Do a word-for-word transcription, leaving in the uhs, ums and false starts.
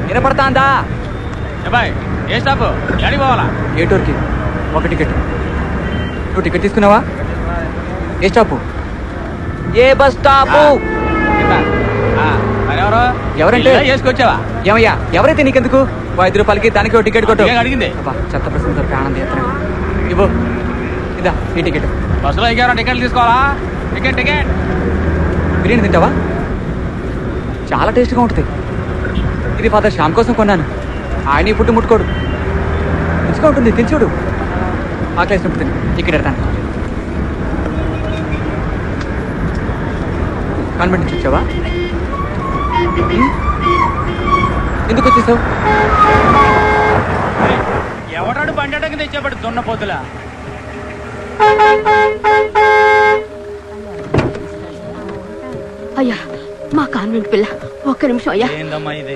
వినపడతాందా? Bye ఏ stop ఎక్కడికి పోవాలా? ఏ టూర్కి ఒక టికెట్. నువ్వు టికెట్ తీసుకున్నావా? ఏ స్టాపు? ఏ బస్ స్టాపు? ఎవరు ఎవరంటే చేసుకొచ్చావా? ఏమయ్యా ఎవరైతే నీకెందుకు? ఐదు రూపాయలకి దానికి ఒక టికెట్ కొట్టు. అడిగింది చెత్త ప్రశ్నతో ఆనందం ఎత్తనా ఇవ్వు. ఇదా ఈ టికెట్. బస్సులో ఇంకెవరైనా టికెట్లు తీసుకోవాలా? Ticket ticket. బిర్యానీ తింటావా? చాలా టేస్ట్గా ఉంటుంది. ఇది ఫాదర్ శ్యామ్ కోసం కొన్నాను. ఆయన ఈ ఫుడ్ ముట్టుకోడు. రుచిగా ఉంటుంది, తినచూడు. ఆకలేసినప్పుడు తిని ఇక్కడ ఎడతాను. కాన్వెంట్ నుంచి వచ్చావా? ఎందుకు వచ్చేసావు? ఎవడాడు బండి తెచ్చేవాడు దున్న పోతులా. అయ్యా మా కాన్వెంట్ పిల్ల ఒక్క నిమిషం అయ్యా. ఏందమ్మా ఇది?